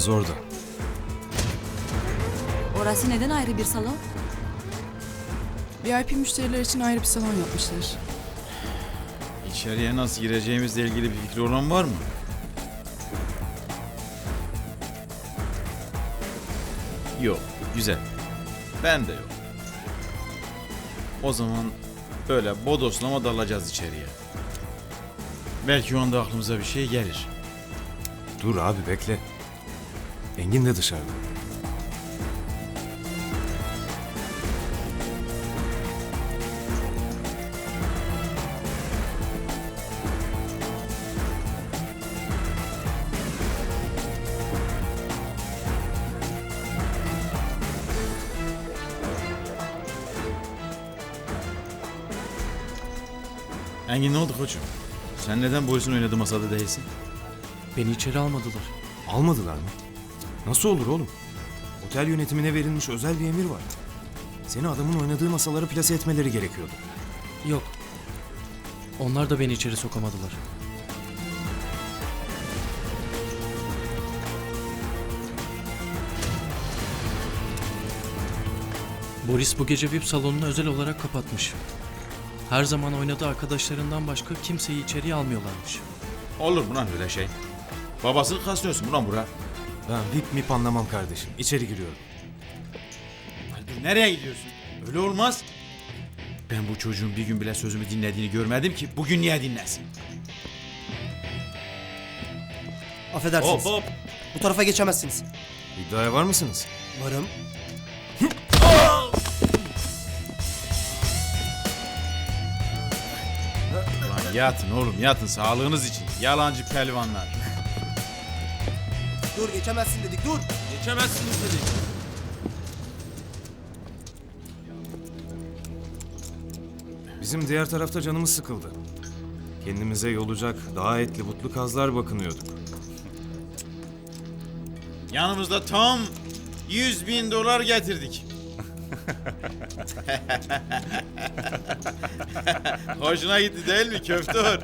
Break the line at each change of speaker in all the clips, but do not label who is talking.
salonumuz orada.
Orası neden ayrı bir salon?
VIP müşteriler için ayrı bir salon yapmışlar.
İçeriye nasıl gireceğimizle ilgili bir fikri olan var mı? Yok, güzel. Ben de yok. O zaman böyle bodoslama dalacağız içeriye. Belki o anda aklımıza bir şey gelir.
Dur abi bekle. Engin de dışarıda.
Engin ne oldu koçum? Sen neden polisin oynadığı masada değilsin?
Beni içeri almadılar.
Almadılar mı? Nasıl olur oğlum? Otel yönetimine verilmiş özel bir emir var. Seni adamın oynadığı masalara plase etmeleri gerekiyordu.
Yok. Onlar da beni içeri sokamadılar. Boris bu gece VIP salonunu özel olarak kapatmış. Her zaman oynadığı arkadaşlarından başka kimseyi içeriye almıyorlarmış.
Olur mu lan öyle şey? Babasını kaslıyorsun ulan bura.
Ben VIP mip anlamam kardeşim. İçeri giriyorum.
Dur, nereye gidiyorsun? Öyle olmaz. Ben bu çocuğun bir gün bile sözümü dinlediğini görmedim ki bugün niye dinlesin?
Affedersiniz.
Hop hop.
Bu tarafa geçemezsiniz.
İddiaya var mısınız?
Varım.
Ulan yatın oğlum yatın sağlığınız için. Yalancı pelvanlar.
Dur geçemezsin dedik dur.
Geçemezsiniz dedik.
Bizim diğer tarafta canımız sıkıldı. Kendimize yolacak daha etli butlu kazlar bakınıyorduk.
Yanımızda tam 100.000 dolar getirdik. Hoşuna gitti değil mi köftör?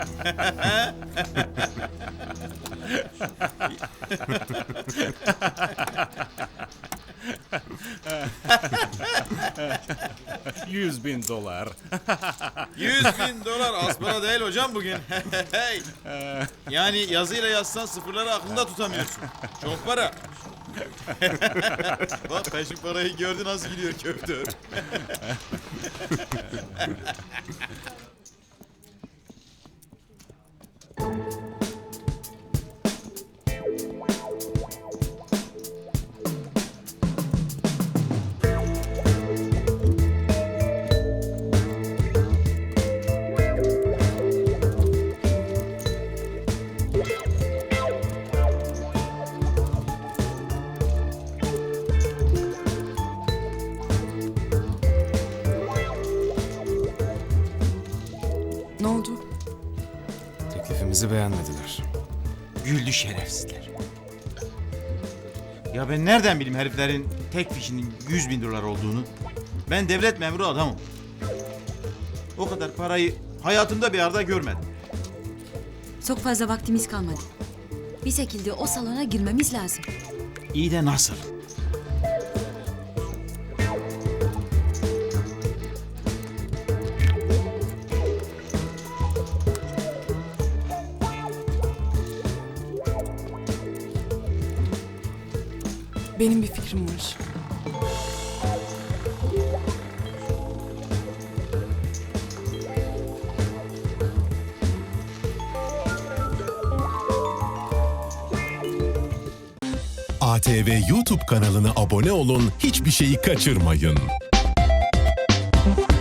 100.000 dolar.
100.000 dolar az para değil hocam bugün. Hey. Yani yazıyla yazsan sıfırları aklında tutamıyorsun. Çok para. Bak peşin parayı gördü nasıl gidiyor köftör.
Ne oldu?
Teklifimizi beğenmediler.
Güldü şerefsizler. Ya ben nereden bileyim heriflerin tek fişinin 100.000 dolar olduğunu? Ben devlet memuru adamım. O kadar parayı hayatımda bir arada görmedim.
Çok fazla vaktimiz kalmadı. Bir şekilde o salona girmemiz lazım.
İyi de nasıl?
Benim bir fikrim var.
ATV YouTube kanalına abone olun, hiçbir şeyi kaçırmayın.